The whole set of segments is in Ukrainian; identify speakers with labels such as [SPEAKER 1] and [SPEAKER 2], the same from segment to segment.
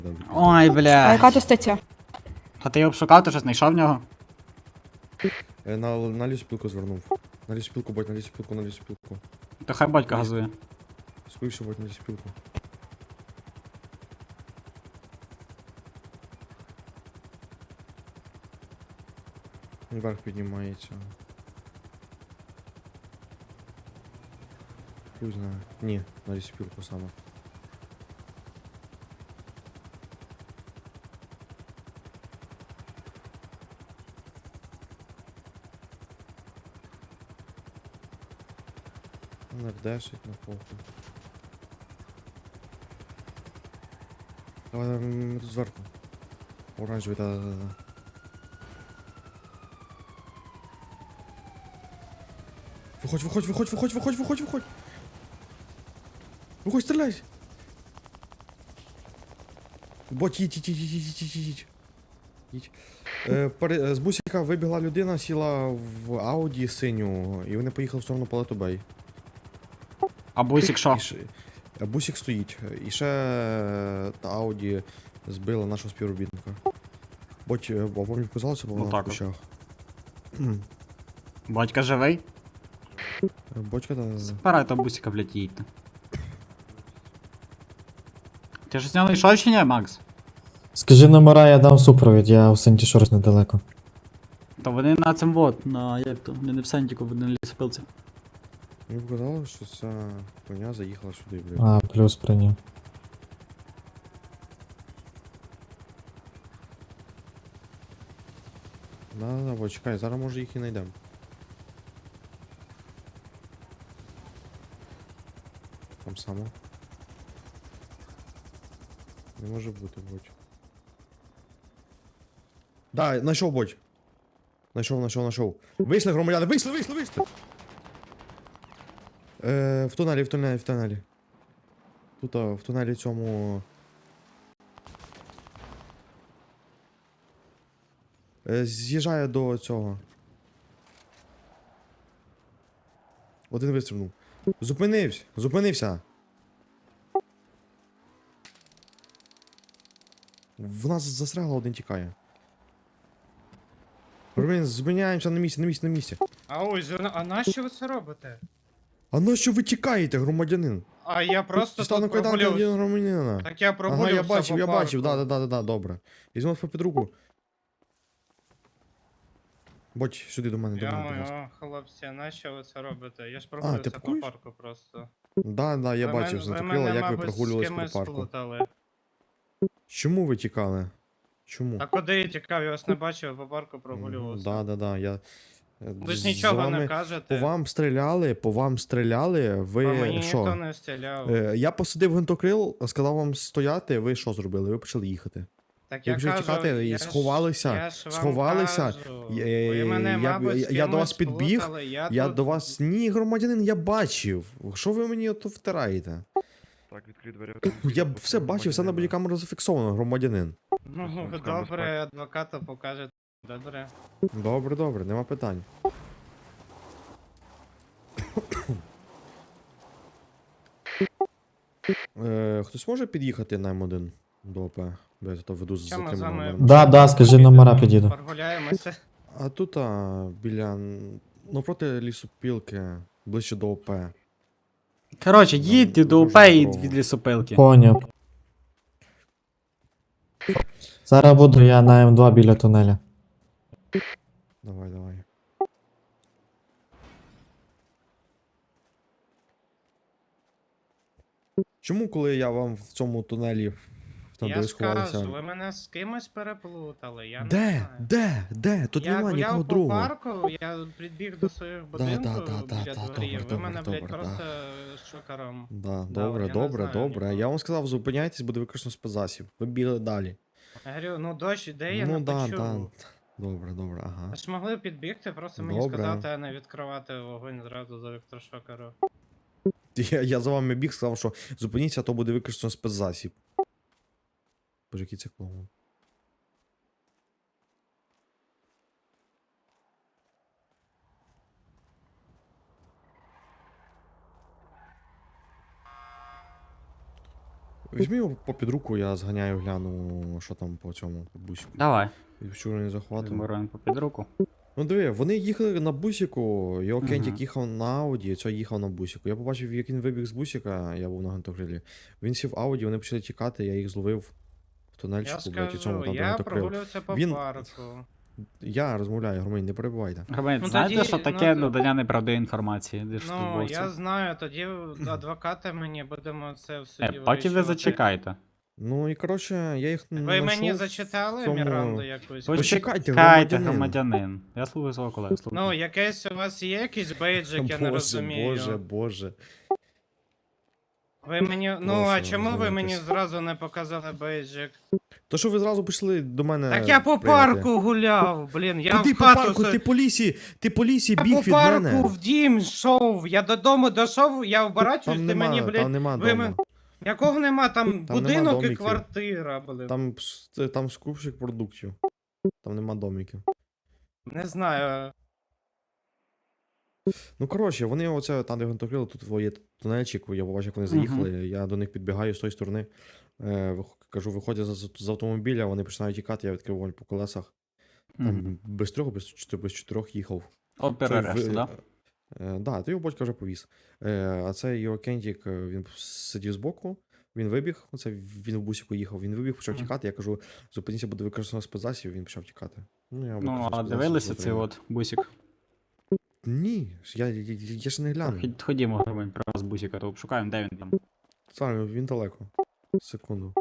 [SPEAKER 1] Ой,
[SPEAKER 2] А
[SPEAKER 1] бля.
[SPEAKER 2] яка то стаття?
[SPEAKER 1] А ти його шукав, ти щось знайшов в нього?
[SPEAKER 3] На лісопілку звернув. На лісопілку, будь, на лісопілку, на лісопілку.
[SPEAKER 1] То хай батько газує.
[SPEAKER 3] Скоріше, будь, на лісопілку. Вверх піднімається. Хуй знає. Ні, на лісопілку саме. НРДшить на полку. Давай, ми тут зверху. Оранжевий, да-да-да. Виходь, виходь, виходь, виходь, виходь, виходь, виходь. Виходь, стріляй. Бот, їдь. З бусика вибігла людина, сіла в Ауді синю, і вони поїхали в сторону Палету Бей.
[SPEAKER 1] А бусик що?
[SPEAKER 3] Бусик стоїть. І ще та Ауді збила нашого співробітника. Бо мені показалося, бо вона в
[SPEAKER 1] Отак от.
[SPEAKER 3] кущах.
[SPEAKER 1] Батька живий?
[SPEAKER 3] Бочка та...
[SPEAKER 1] Спирай того бусика, блядь, їдьте. Ти ж з нього йшов чи ні, Макс?
[SPEAKER 4] Скажи номера, я дам супровід, я у Сенті Шорс недалеко.
[SPEAKER 1] То вони на цим вот, на як то, вони не в Сентіку, вони на лісопилці.
[SPEAKER 3] Мені показалось, що ця коня заїхала сюди, блядь.
[SPEAKER 4] А, плюс прийняв.
[SPEAKER 3] Да, бо чекай, зараз може їх і знайдемо. Там само. Не може бути, Бодь. Да, знайшов, Бодь. Знайшов. Вийшли, громадяни, вийшли! В тунелі. Тут, в тунелі цьому... З'їжджає до цього. Один вистрибнув. Зупинився. В нас застрягло, один тікає. Ромін, зупиняємося на місці.
[SPEAKER 5] А ось, а нащо ви це робите?
[SPEAKER 3] А на що ви тікаєте, громадянин?
[SPEAKER 5] А я просто
[SPEAKER 3] Стану
[SPEAKER 5] тут
[SPEAKER 3] кайданки
[SPEAKER 5] прогулювався.
[SPEAKER 3] громадянина.
[SPEAKER 5] Так я
[SPEAKER 3] Ага,
[SPEAKER 5] прогулювався
[SPEAKER 3] я
[SPEAKER 5] по
[SPEAKER 3] бачив,
[SPEAKER 5] парку.
[SPEAKER 3] да, добре. Візьмемо по під руку. Бодь, сюди до мене, будь ласка.
[SPEAKER 5] Йо-моє, хлопці, нащо ви це робите? Я ж прогулювався по
[SPEAKER 3] пакуєш?
[SPEAKER 5] парку просто.
[SPEAKER 3] Да, я
[SPEAKER 5] Ви
[SPEAKER 3] бачив,
[SPEAKER 5] ви
[SPEAKER 3] знатокрила,
[SPEAKER 5] мене,
[SPEAKER 3] як ви
[SPEAKER 5] мабуть,
[SPEAKER 3] прогулювались
[SPEAKER 5] з
[SPEAKER 3] по
[SPEAKER 5] кимось
[SPEAKER 3] парку.
[SPEAKER 5] сплутали.
[SPEAKER 3] Чому ви тікали? Чому?
[SPEAKER 5] А куди я тікав? Я вас не бачив, по парку прогулювався.
[SPEAKER 3] Да, я...
[SPEAKER 5] Ви ж
[SPEAKER 3] з
[SPEAKER 5] нічого
[SPEAKER 3] вами-
[SPEAKER 5] не кажете.
[SPEAKER 3] По вам стріляли,
[SPEAKER 5] По
[SPEAKER 3] ви
[SPEAKER 5] мені ніхто
[SPEAKER 3] що?
[SPEAKER 5] не стріляв.
[SPEAKER 3] Я посадив гвинтокрил, сказав вам стояти, ви що зробили? Ви почали їхати.
[SPEAKER 5] Так
[SPEAKER 3] ви
[SPEAKER 5] я
[SPEAKER 3] почали
[SPEAKER 5] кажу,
[SPEAKER 3] тікати і
[SPEAKER 5] я ж-
[SPEAKER 3] сховалися,
[SPEAKER 5] я ж вам
[SPEAKER 3] сховалися.
[SPEAKER 5] кажу.
[SPEAKER 3] Я-
[SPEAKER 5] Ви мене, мабуть, з
[SPEAKER 3] я до вас
[SPEAKER 5] кимось
[SPEAKER 3] підбіг,
[SPEAKER 5] сплутали,
[SPEAKER 3] Я
[SPEAKER 5] тут-
[SPEAKER 3] до вас... Ні, громадянин, я бачив. Що ви мені ото втираєте?
[SPEAKER 6] Так, відкрий двері.
[SPEAKER 3] Я б все бачив, все на бодікамеру зафіксовано, громадянин.
[SPEAKER 5] Ну,
[SPEAKER 6] Безпеки.
[SPEAKER 5] добре, адвоката покаже. Добре.
[SPEAKER 3] Добре, нема питань. Хтось може під'їхати на М1 до ОП? Бо я то веду з
[SPEAKER 5] Що ми з
[SPEAKER 3] затриманим
[SPEAKER 5] вами?
[SPEAKER 3] номером.
[SPEAKER 4] Да, скажи номера, підійду.
[SPEAKER 5] Прогуляємося.
[SPEAKER 3] А тут біля... Навпроти лісопілки, ближче до ОП.
[SPEAKER 1] Коротше, їдьте до УП і від лісопилки.
[SPEAKER 4] Поняв. Зараз буду я на М2 біля тунеля.
[SPEAKER 3] Давай. Чому, коли я вам в цьому тунелі там
[SPEAKER 5] Я
[SPEAKER 3] де ви
[SPEAKER 5] ж кажу,
[SPEAKER 3] сховалися?
[SPEAKER 5] ви мене з кимось переплутали, я не
[SPEAKER 3] Де?
[SPEAKER 5] знаю.
[SPEAKER 3] Де? Тут
[SPEAKER 5] Я
[SPEAKER 3] нема нікого
[SPEAKER 5] гуляв по
[SPEAKER 3] другого.
[SPEAKER 5] парку, я підбіг до своїх будинків біля
[SPEAKER 3] да,
[SPEAKER 5] дворів, ви
[SPEAKER 3] добре,
[SPEAKER 5] мене,
[SPEAKER 3] добре,
[SPEAKER 5] блядь,
[SPEAKER 3] да.
[SPEAKER 5] просто шокером.
[SPEAKER 3] Да,
[SPEAKER 5] Добре,
[SPEAKER 3] добре,
[SPEAKER 5] я не знаю
[SPEAKER 3] добре. Я
[SPEAKER 5] нікого.
[SPEAKER 3] вам сказав, зупиняйтесь, буде використано спецзасіб. Ви бігли далі.
[SPEAKER 5] Я говорю, ну дощ іде, я
[SPEAKER 3] Ну
[SPEAKER 5] не
[SPEAKER 3] да.
[SPEAKER 5] почув.
[SPEAKER 3] Добре, ага.
[SPEAKER 5] Ви ж могли підбігти, просто мені
[SPEAKER 3] Добре.
[SPEAKER 5] сказати, а не відкривати вогонь зразу за електрошокеру.
[SPEAKER 3] Я за вами біг, сказав, що зупиніться, а то буде використано спецзасіб. Боже, який це клоун. Візьми його попід руку, я зганяю, гляну, що там по цьому по бусику.
[SPEAKER 1] Давай.
[SPEAKER 3] І вчора не захватив.
[SPEAKER 1] Візьму попід руку.
[SPEAKER 3] Ну диви, вони їхали на бусику, його
[SPEAKER 1] Мгм.
[SPEAKER 3] Кентік їхав на Ауді, цей їхав на бусику. Я побачив, як він вибіг з бусика, я був на гвинтокрилі. Він сів в Ауді, вони почали тікати, я їх зловив в
[SPEAKER 5] Я
[SPEAKER 3] тунельчику, блядь, і цьому
[SPEAKER 5] скажу,
[SPEAKER 3] там
[SPEAKER 5] я
[SPEAKER 3] гвинтокрил.
[SPEAKER 5] прогулявся по
[SPEAKER 3] Він-
[SPEAKER 5] парку.
[SPEAKER 3] Я розмовляю, громадян, не перебивайте.
[SPEAKER 1] Громадян,
[SPEAKER 5] Ну,
[SPEAKER 1] знаєте,
[SPEAKER 5] тоді,
[SPEAKER 1] що
[SPEAKER 5] ну,
[SPEAKER 1] таке
[SPEAKER 5] то-
[SPEAKER 1] надання неправдивої інформації?
[SPEAKER 5] Ну,
[SPEAKER 1] Держслужбовців?
[SPEAKER 5] я знаю, тоді адвокати мені будемо це в суді
[SPEAKER 1] Поки ви
[SPEAKER 5] вирішувати.
[SPEAKER 1] зачекайте.
[SPEAKER 3] Ну і коротше, я їх
[SPEAKER 5] Ви
[SPEAKER 3] знайшов
[SPEAKER 5] мені
[SPEAKER 3] в
[SPEAKER 5] зачитали
[SPEAKER 3] цьому-
[SPEAKER 5] Міранду якусь?
[SPEAKER 3] Почекайте,
[SPEAKER 1] Почекайте,
[SPEAKER 3] громадянин.
[SPEAKER 1] громадянин. Я слухаю свого колегу.
[SPEAKER 5] Ну,
[SPEAKER 1] слухаю.
[SPEAKER 5] якесь у вас є якийсь бейджик, я не розумію.
[SPEAKER 3] Боже.
[SPEAKER 5] Ви мені. Ну, а
[SPEAKER 3] Прошу,
[SPEAKER 5] чому ви мені
[SPEAKER 3] розумійтесь.
[SPEAKER 5] зразу не показали бейджик?
[SPEAKER 3] То що ви зразу пішли до мене.
[SPEAKER 5] Так я по
[SPEAKER 3] прийняти?
[SPEAKER 5] парку гуляв, блін, я
[SPEAKER 3] Куди
[SPEAKER 5] в
[SPEAKER 3] по
[SPEAKER 5] хату
[SPEAKER 3] парку?
[SPEAKER 5] со-
[SPEAKER 3] Ти по лісі
[SPEAKER 5] Я
[SPEAKER 3] біг
[SPEAKER 5] по
[SPEAKER 3] від
[SPEAKER 5] парку
[SPEAKER 3] мене.
[SPEAKER 5] в дім йшов, я додому дійшов, я оборачуюсь,
[SPEAKER 3] Там
[SPEAKER 5] ти
[SPEAKER 3] нема,
[SPEAKER 5] мені, блін,
[SPEAKER 3] там нема
[SPEAKER 5] ви
[SPEAKER 3] дома.
[SPEAKER 5] мен- якого нема, там
[SPEAKER 3] Там нема
[SPEAKER 5] будинок і
[SPEAKER 3] домиків.
[SPEAKER 5] квартира, блін.
[SPEAKER 3] Там скупщик продуктів. Там нема домиків.
[SPEAKER 5] Не знаю.
[SPEAKER 3] Ну коротше, вони оце там, де гвинтокрили, тут є тунельчик, я побачив, як вони
[SPEAKER 1] Мгм.
[SPEAKER 3] заїхали, я до них підбігаю з тої сторони. Кажу, виходять з автомобіля, вони починають тікати, я відкрив вогонь по колесах. Там
[SPEAKER 1] Мгм.
[SPEAKER 3] без трьох, без чотирьох їхав.
[SPEAKER 1] Опер
[SPEAKER 3] Цей
[SPEAKER 1] арешту, да?
[SPEAKER 3] Да, то його батько вже повіз. А цей його Кентік, він сидів збоку, він вибіг, оце він в бусику їхав, він вибіг, почав
[SPEAKER 1] Мгм.
[SPEAKER 3] тікати, я кажу, зупиніться, буде використано спецзасіб, він почав тікати. Ну, я
[SPEAKER 1] Ну,
[SPEAKER 3] використав
[SPEAKER 1] а
[SPEAKER 3] спецзасіб,
[SPEAKER 1] дивилися цей
[SPEAKER 3] затримав.
[SPEAKER 1] от бусик?
[SPEAKER 3] Ні, я ж не гляну.
[SPEAKER 1] Ходімо, громадян, про вас бусика, то обшукаємо, де він там.
[SPEAKER 3] Саме, він далеко. Секунду.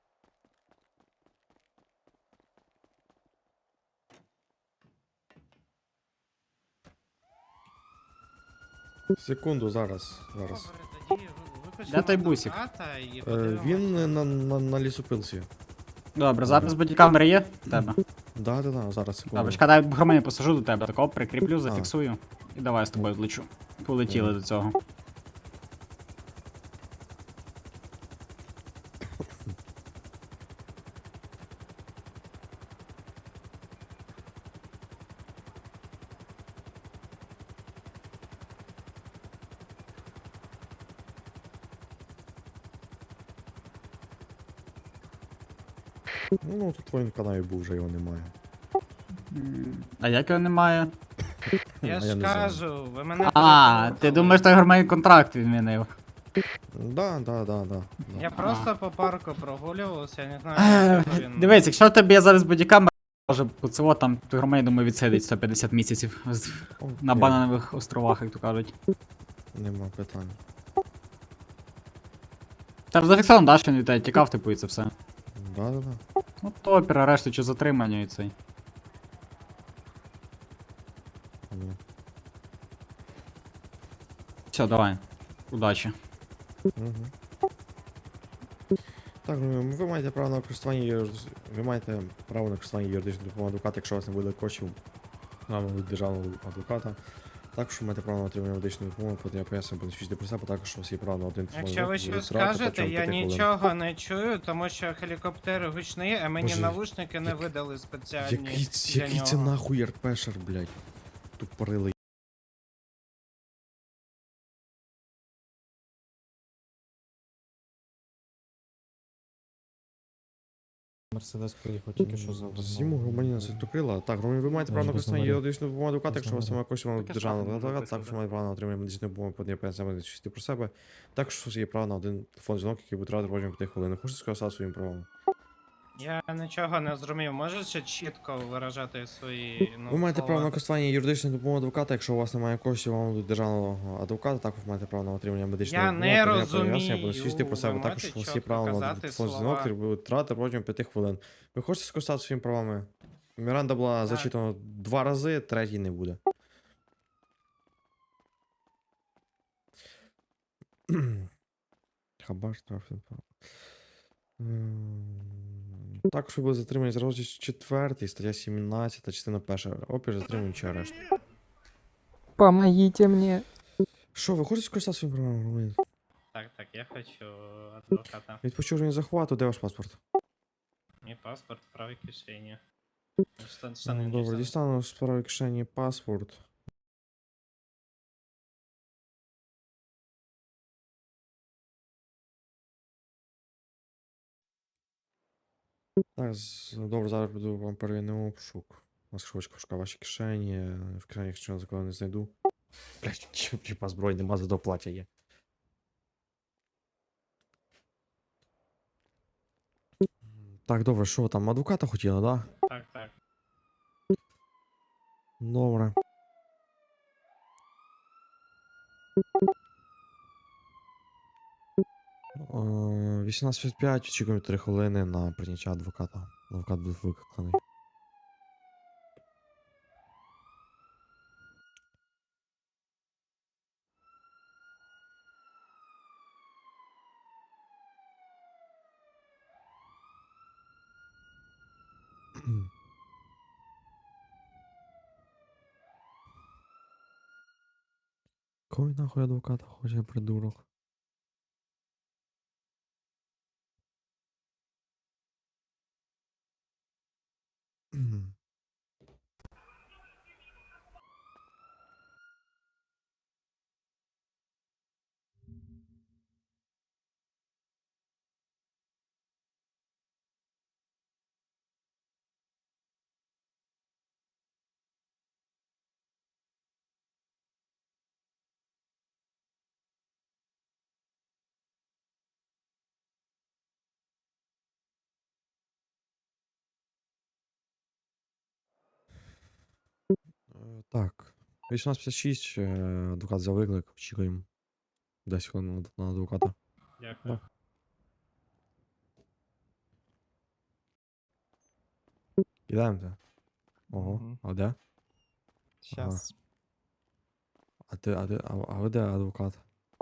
[SPEAKER 3] Секунду, зараз.
[SPEAKER 5] Добре, тоді викличемо
[SPEAKER 1] Де той бусик?
[SPEAKER 5] адвоката і
[SPEAKER 3] Він
[SPEAKER 5] подивимось.
[SPEAKER 3] на лісопилці.
[SPEAKER 1] Добре, запис бодікамери є? В тебе.
[SPEAKER 3] Да, зараз, секунду.
[SPEAKER 1] Добре, чекай, дай громадян посажу до тебе, такого прикріплю, зафіксую. І давай з тобою злечу. Полетіли
[SPEAKER 3] Мгм.
[SPEAKER 1] до цього.
[SPEAKER 3] Ну, тут він в канаві був, вже його немає.
[SPEAKER 1] А як його немає?
[SPEAKER 5] Я
[SPEAKER 3] А
[SPEAKER 5] ж
[SPEAKER 3] я не знаю.
[SPEAKER 5] кажу, ви мене
[SPEAKER 1] А,
[SPEAKER 5] переплутали.
[SPEAKER 1] ти думаєш, той громадянин контракт відмінив.
[SPEAKER 3] Да.
[SPEAKER 5] Я просто по парку прогулювався, я не
[SPEAKER 1] Е,
[SPEAKER 5] знаю, як він...
[SPEAKER 1] Дивись, якщо в тебе є зараз бодікамера, може цього там той громадянин, думаю, відсидить 150 місяців на
[SPEAKER 3] Окей,
[SPEAKER 1] бананових островах, як то кажуть.
[SPEAKER 3] Нема питань.
[SPEAKER 1] Там зафіксовано, да, що він від тебе тікав, типу, і це все.
[SPEAKER 3] Да.
[SPEAKER 1] Ну, то опір, арешту чи затримання і цей.
[SPEAKER 3] Ну.
[SPEAKER 1] Все, давай. Удачі.
[SPEAKER 3] Угу. Так, ну, ви маєте право на користування ви маєте право на користування юридичної допомоги адвоката, якщо у вас не буде коштів на державного адвоката. Також ви маєте право на отримання медичної допомоги, потім я поясню, буду свідчити про себе, також у вас є право на один телефон.
[SPEAKER 5] Якщо ви щось скажете, я нічого не чую, тому що гелікоптер гучний, а мені
[SPEAKER 3] Боже,
[SPEAKER 5] навушники не
[SPEAKER 3] як-
[SPEAKER 5] видали спеціальні
[SPEAKER 3] Який
[SPEAKER 5] для
[SPEAKER 3] це
[SPEAKER 5] нього.
[SPEAKER 3] нахуй РПшер, блядь? Тупорилий.
[SPEAKER 4] Мерседес приїхав тільки що за.
[SPEAKER 3] Зніму громадянина Святокрила. Так, громадянин, ви маєте право на
[SPEAKER 4] Може, без
[SPEAKER 3] користування
[SPEAKER 4] номерів.
[SPEAKER 3] юридичної допомоги адвоката, якщо у вас
[SPEAKER 4] Без
[SPEAKER 3] немає коштів на
[SPEAKER 1] Таке
[SPEAKER 3] державного
[SPEAKER 1] саме
[SPEAKER 3] адвоката,
[SPEAKER 1] написано,
[SPEAKER 3] також
[SPEAKER 1] да.
[SPEAKER 3] маєте право на отримання медичної допомоги, потім я поясню чисти про себе. Також у вас є право на один телефон дзвінок, який буде тривати протягом 5 хвилин. Хочете сказати своїм правом?
[SPEAKER 5] Я нічого не зрозумів, можете чітко виражати свої, ну,
[SPEAKER 3] Ви маєте право на
[SPEAKER 5] слова?
[SPEAKER 3] користування юридичної допомоги адвоката, якщо у вас немає коштів, вам до державного адвоката, також маєте право на отримання медичної
[SPEAKER 5] Я
[SPEAKER 3] допомоги.
[SPEAKER 5] не
[SPEAKER 3] потім я поясню, я буду
[SPEAKER 5] розумію,
[SPEAKER 3] свідчити про себе.
[SPEAKER 5] ви
[SPEAKER 3] Також
[SPEAKER 5] можете
[SPEAKER 3] у вас є
[SPEAKER 5] чітко
[SPEAKER 3] право на
[SPEAKER 5] казати
[SPEAKER 3] телефон дзвінок,
[SPEAKER 5] слова?
[SPEAKER 3] який буде тривати протягом 5 хвилин. Ви хочете скористатися своїми правами? Міранда була
[SPEAKER 5] Так.
[SPEAKER 3] зачитана 2 рази, третій не буде. Хабар штраф. Також ви були затримані за розділ 4, стаття 17, частина 1. Опір затримані чи арешт.
[SPEAKER 2] Помогите мне.
[SPEAKER 3] Що, ви хочете скористатися своїм правом, громадянин?
[SPEAKER 5] Так, я хочу адвоката.
[SPEAKER 3] Від почуження захвату, де ваш паспорт?
[SPEAKER 5] Мій паспорт в правій кишені.
[SPEAKER 3] Добре, дістану з правої кишені паспорт. Так, добре, зараз піду вам перевіримо обшук. У нас швидко ваші кишені, в кишені, якщо я закону не знайду. Блять, чіпа зброї нема, зато плаття є. Так, добре, що ви там, адвоката хотіли, да?
[SPEAKER 5] Так, так.
[SPEAKER 3] Добре. О, 18:05, очікуємо 3 хвилини на прийняття адвоката. Адвокат буде викликаний. Кой нахуй адвоката хоче, придурок? Так. 18:56, адвокат за виклик, очікуємо 10 хвилин на адвоката.
[SPEAKER 5] Дякую.
[SPEAKER 3] Ідемте. Ого,
[SPEAKER 2] Мгм.
[SPEAKER 3] а де?
[SPEAKER 2] Щас.
[SPEAKER 3] А ви де адвокат?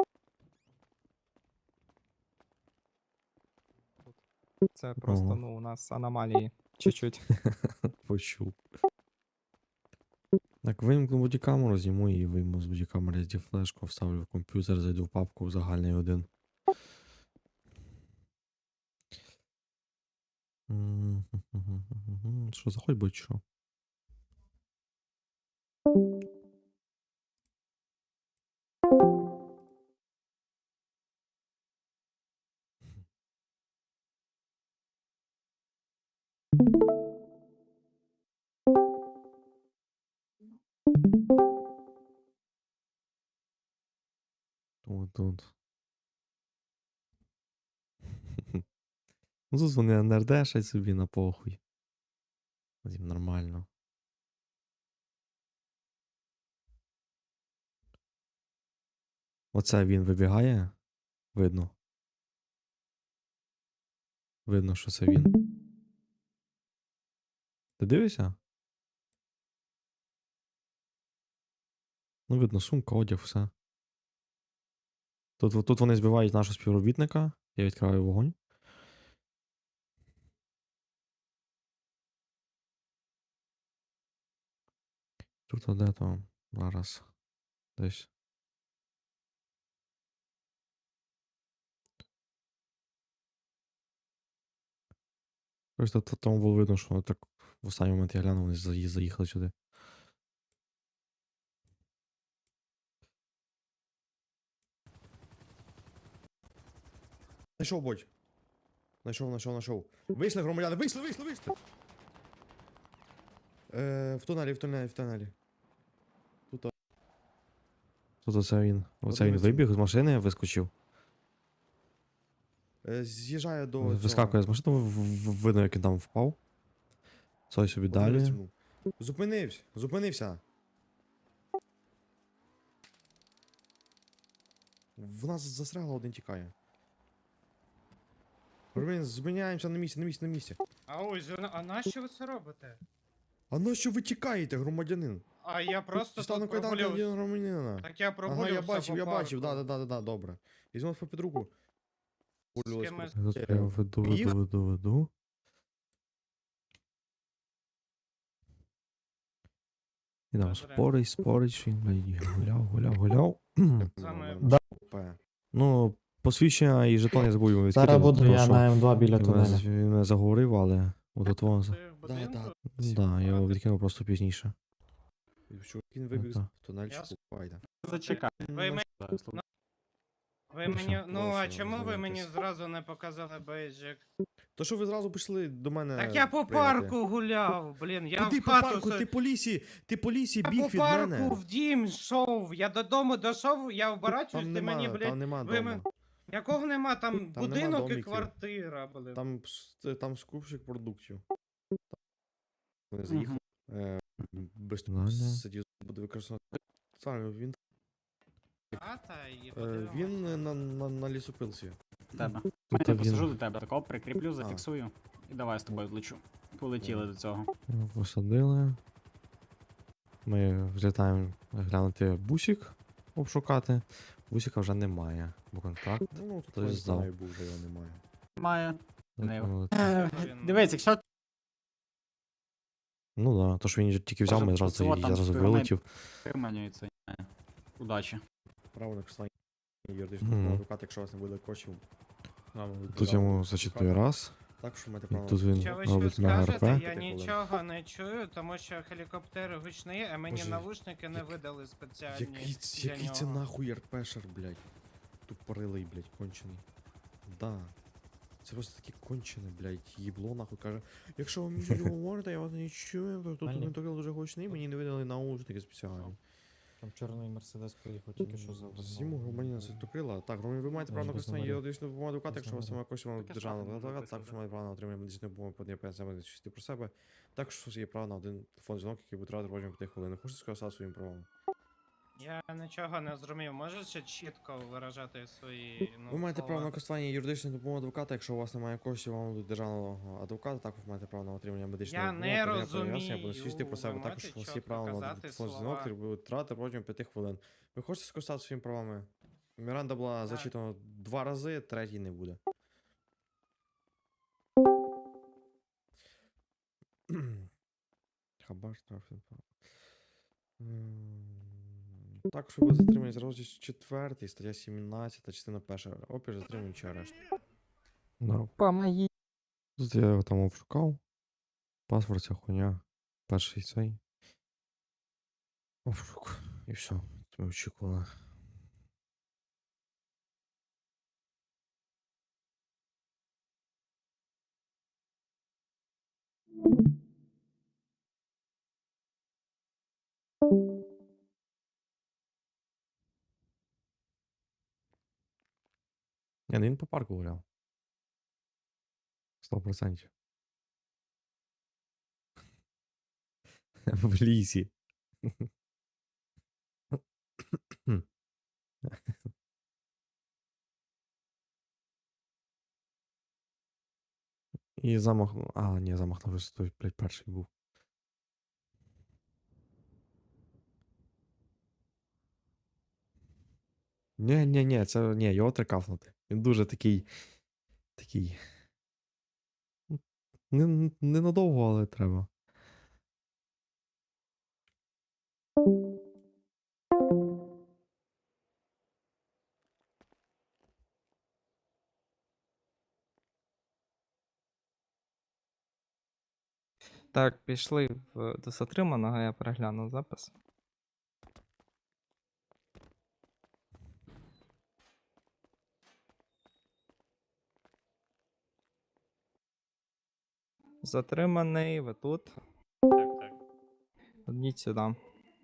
[SPEAKER 2] Це просто,
[SPEAKER 3] Ого.
[SPEAKER 2] ну, у нас аномалії. Чуть-чуть.
[SPEAKER 3] Почув. Так, вимкну бодікамеру, зніму і вийму з бодікамери SD флешку, вставлю в комп'ютер, зайду в папку в загальний один. Що, заходь, будь що? Тут. Ну тут вони нердешать собі на похуй. Їм нормально. Оце він вибігає. Видно. Видно, що це він. Ти дивишся? Ну, видно, сумка, одяг, все. Тут вони збивають нашого співробітника. Я відкриваю вогонь. Тут де то зараз. Десь. Просто тому було видно, що так в останній момент я глянув, вони заїхали сюди. Найшов, Бодь. Найшов. Вийшли, громадяни, вийшли! В тунелі. Тут оце він. Оце він вибіг з машини, вискочив. З'їжджає до. Вискакує з машини, видно, як він там впав. Цой собі далі. Зупинився. В нас застряло, один тікає. Ромін, зупиняємося на місці.
[SPEAKER 5] А ось, а нащо ви це робите?
[SPEAKER 3] А на що ви тікаєте, громадянин?
[SPEAKER 5] А я просто
[SPEAKER 3] Стану
[SPEAKER 5] тут
[SPEAKER 3] кайданки
[SPEAKER 5] прогулювався.
[SPEAKER 3] один громадянина.
[SPEAKER 5] Так я
[SPEAKER 3] Ага,
[SPEAKER 5] прогулювався
[SPEAKER 3] я
[SPEAKER 5] по
[SPEAKER 3] бачив,
[SPEAKER 5] парку.
[SPEAKER 3] да, добре. Візьмемо під руку.
[SPEAKER 5] З кимось.
[SPEAKER 3] Тут
[SPEAKER 5] Е,
[SPEAKER 3] я веду. І там
[SPEAKER 5] Добре.
[SPEAKER 3] спорить, що він, блядь, гуляв.
[SPEAKER 5] Саме-
[SPEAKER 4] Да.
[SPEAKER 3] Ну, посвідчення і жетон я забув йому
[SPEAKER 4] Зараз
[SPEAKER 3] відкидати,
[SPEAKER 4] буду
[SPEAKER 3] тому
[SPEAKER 4] я
[SPEAKER 3] що
[SPEAKER 4] на М2 біля тунеля.
[SPEAKER 3] він мене заговорив, але от того.
[SPEAKER 5] Ти в будинку?
[SPEAKER 3] Да, я його відкинув просто пізніше. Він
[SPEAKER 1] вибіг з
[SPEAKER 3] тунельчику,
[SPEAKER 5] Ясно.
[SPEAKER 3] пайда.
[SPEAKER 1] Зачекай.
[SPEAKER 5] Ви Ви мені. Ну, а
[SPEAKER 3] Прошу
[SPEAKER 5] чому ви мені
[SPEAKER 3] ознайомитись.
[SPEAKER 5] зразу не показали бейджик?
[SPEAKER 3] То що ви зразу пішли до мене.
[SPEAKER 5] Так я по
[SPEAKER 3] прийняти?
[SPEAKER 5] парку гуляв, блін, я
[SPEAKER 3] Куди
[SPEAKER 5] в
[SPEAKER 3] по
[SPEAKER 5] хату.
[SPEAKER 3] парку? Ти по лісі
[SPEAKER 5] Я
[SPEAKER 3] біг
[SPEAKER 5] по
[SPEAKER 3] від
[SPEAKER 5] парку
[SPEAKER 3] мене.
[SPEAKER 5] в дім йшов. Я додому дійшов, я оборачуюсь,
[SPEAKER 3] Там
[SPEAKER 5] ти мені,
[SPEAKER 3] нема,
[SPEAKER 5] блядь.
[SPEAKER 3] там нема
[SPEAKER 5] ви
[SPEAKER 3] дома.
[SPEAKER 5] Якого нема, там
[SPEAKER 3] Там нема
[SPEAKER 5] будинок і
[SPEAKER 3] домиків.
[SPEAKER 5] квартира, блін.
[SPEAKER 3] Там скупщик продуктів. Не
[SPEAKER 1] Мгм.
[SPEAKER 3] заїхав. Без
[SPEAKER 4] Ладно.
[SPEAKER 3] сидів, буде використовувати. Саме він.
[SPEAKER 5] Хата і
[SPEAKER 3] Він на лісопилці.
[SPEAKER 1] Тебе.
[SPEAKER 4] Тут
[SPEAKER 1] Я
[SPEAKER 4] він
[SPEAKER 1] посажу до тебе, такого прикріплю, зафіксую. І давай з тобою злечу. Полетіли до цього.
[SPEAKER 4] посадили. Ми взлітаємо глянути бусик, обшукати. Бусика вже немає, бо контракт.
[SPEAKER 3] Ну, тут
[SPEAKER 4] Хтось
[SPEAKER 3] не
[SPEAKER 4] здав.
[SPEAKER 3] знаю, був вже його немає.
[SPEAKER 1] Має. Не.
[SPEAKER 5] Блін.
[SPEAKER 1] Дивись, якщо
[SPEAKER 4] Ну да, то що він тільки взяв,
[SPEAKER 1] Може,
[SPEAKER 4] ми зразу,
[SPEAKER 1] оцього
[SPEAKER 4] і
[SPEAKER 1] там
[SPEAKER 4] зразу
[SPEAKER 1] спирмей-
[SPEAKER 4] вилетів.
[SPEAKER 1] виманюється. Удачі.
[SPEAKER 3] Право на користування юридичного
[SPEAKER 4] Мгм.
[SPEAKER 3] адвоката, якщо у вас не буде коштів.
[SPEAKER 4] Тут йому зачитує раз.
[SPEAKER 3] Так що маєте
[SPEAKER 4] І
[SPEAKER 3] право.
[SPEAKER 4] тут він
[SPEAKER 5] Що ви
[SPEAKER 4] робить
[SPEAKER 5] ще
[SPEAKER 4] мега
[SPEAKER 5] скажете?
[SPEAKER 4] РП.
[SPEAKER 5] Я нічого не чую, тому що гелікоптери гучні, а мені
[SPEAKER 3] Боже,
[SPEAKER 5] навушники не
[SPEAKER 3] як-
[SPEAKER 5] видали спеціальні.
[SPEAKER 3] Який
[SPEAKER 5] для
[SPEAKER 3] це
[SPEAKER 5] нього.
[SPEAKER 3] нахуй РПшер, блядь? Тупорилий, блядь, кончений. Да. Це просто таке кончене, блядь, їбло нахуй каже. Якщо ви мені щось говорите, я вас не чую, то тут
[SPEAKER 4] Ані.
[SPEAKER 3] він такий дуже гучний, мені не видали наушники спеціальні.
[SPEAKER 4] Там чорний мерседес приїхав тільки що за
[SPEAKER 3] Зіму громадянина Святокрила. Так, громадян, ви маєте право на
[SPEAKER 4] без
[SPEAKER 3] користування
[SPEAKER 4] номерів.
[SPEAKER 3] юридичної допомоги адвоката,
[SPEAKER 4] Без
[SPEAKER 3] якщо у вас немає коштів на
[SPEAKER 1] Таке
[SPEAKER 3] державного
[SPEAKER 1] саме
[SPEAKER 3] адвоката,
[SPEAKER 1] написано,
[SPEAKER 3] також
[SPEAKER 1] да.
[SPEAKER 3] маєте право на отримання медичної допомоги по пенсіям чисті про себе. Також у вас є право на один телефон дзвінок, який буде тривати протягом 5 хвилин. Хочете сказати своїм правом?
[SPEAKER 5] Я нічого не зрозумів. Можете чітко виражати свої. Ну,
[SPEAKER 3] Ви маєте право на
[SPEAKER 5] слова?
[SPEAKER 3] користування юридичної допомоги адвоката, якщо у вас немає коштів, вам дадуть державного адвоката, також маєте право на отримання медичної
[SPEAKER 5] Я
[SPEAKER 3] допомоги.
[SPEAKER 5] не
[SPEAKER 3] подання пояснення, або
[SPEAKER 5] розумію.
[SPEAKER 3] свідчити про себе.
[SPEAKER 5] Ви
[SPEAKER 3] Також
[SPEAKER 5] можете
[SPEAKER 3] у вас є
[SPEAKER 5] чітко
[SPEAKER 3] право на
[SPEAKER 5] казати
[SPEAKER 3] телефон дзвінок,
[SPEAKER 5] слова?
[SPEAKER 3] який буде тривати протягом 5 хвилин. Ви хочете скористатися своїми правами? Міранда була
[SPEAKER 5] Так.
[SPEAKER 3] зачитана 2 рази, третій не буде. Хабар штраф. Також ви будете затримані за розділ 4, стаття 17, частина 1. Опір затримані чи арешт.
[SPEAKER 4] Да.
[SPEAKER 2] Помоги.
[SPEAKER 4] Тут я його там обшукав. Паспорт, ця хуйня. Перший цей. Обшук. І все. Ми очікували. Ні, ну він по парку гуляв. 100%. В лісі. І замах. А, ні, замах на висоту, блядь, перший був. Ні, це. Ні, його трикафнути. Він дуже такий. Такий. Ненадовго, але треба.
[SPEAKER 2] Так, пішли до затриманого, я переглянув запис. Затриманий, ви тут.
[SPEAKER 5] Так, так.
[SPEAKER 2] Одніть сюди.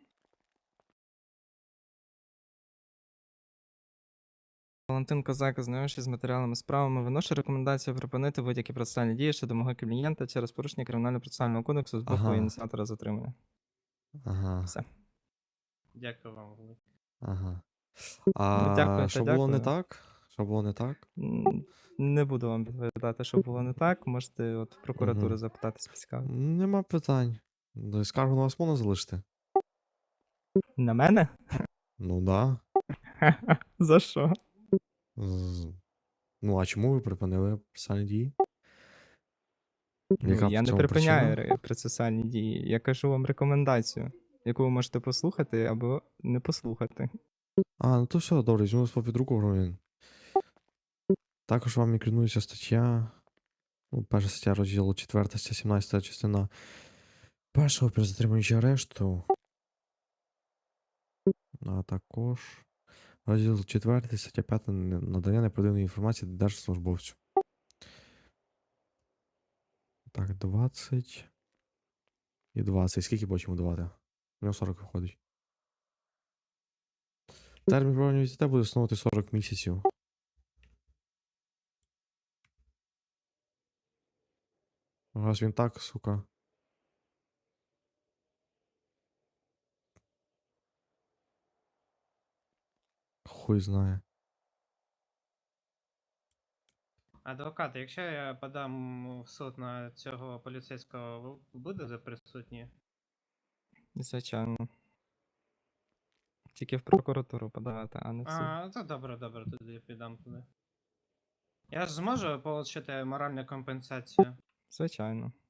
[SPEAKER 2] Валентин Козак, ознайомившись з матеріалами справами, виношу рекомендацію припинити будь-які процесуальні дії щодо мого клієнта через порушення кримінально-процесуального кодексу з боку
[SPEAKER 4] Ага.
[SPEAKER 2] ініціатора затримання.
[SPEAKER 4] Ага.
[SPEAKER 2] Все.
[SPEAKER 5] Дякую вам велике.
[SPEAKER 4] Ага.
[SPEAKER 2] Ну, дякую, та
[SPEAKER 4] Що було не
[SPEAKER 2] дякую.
[SPEAKER 4] так? Що було не так?
[SPEAKER 2] Не буду вам відповідати, що було не так. Можете от в прокуратуру
[SPEAKER 4] Мгм.
[SPEAKER 2] запитатись поцікавити.
[SPEAKER 4] Нема питань. Скаргу на вас можна залишити?
[SPEAKER 2] На мене?
[SPEAKER 4] Ну да.
[SPEAKER 2] За що?
[SPEAKER 4] Ну, а чому ви припинили процесуальні дії?
[SPEAKER 2] Ну,
[SPEAKER 4] Яка
[SPEAKER 2] я
[SPEAKER 4] в
[SPEAKER 2] не
[SPEAKER 4] цьому
[SPEAKER 2] припиняю
[SPEAKER 4] причина?
[SPEAKER 2] процесуальні дії. Я кажу вам рекомендацію, яку ви можете послухати або не послухати.
[SPEAKER 4] А, ну то все, добре, візьму вас під руку, громадянин. Також вам інкримінується стаття. Ну, перша стаття розділу 4, стаття 17, частина першого при затриманні чи арешту. А також Розділ 4, стаття 5. Надання неправдивої інформації держслужбовцю. Так, 20. І 20. Скільки потім давати? У нього 40 виходить. Термін проведення візита буде становити 40 місяців. Раз він так, сука. Хуй знає.
[SPEAKER 5] Адвокат, якщо я подам в суд на цього поліцейського, ви будете присутні?
[SPEAKER 2] Звичайно. Тільки в прокуратуру подавати, а не в суд.
[SPEAKER 5] А, то добре, тоді я підам туди. Я ж зможу отримати моральну компенсацію?
[SPEAKER 2] Звичайно.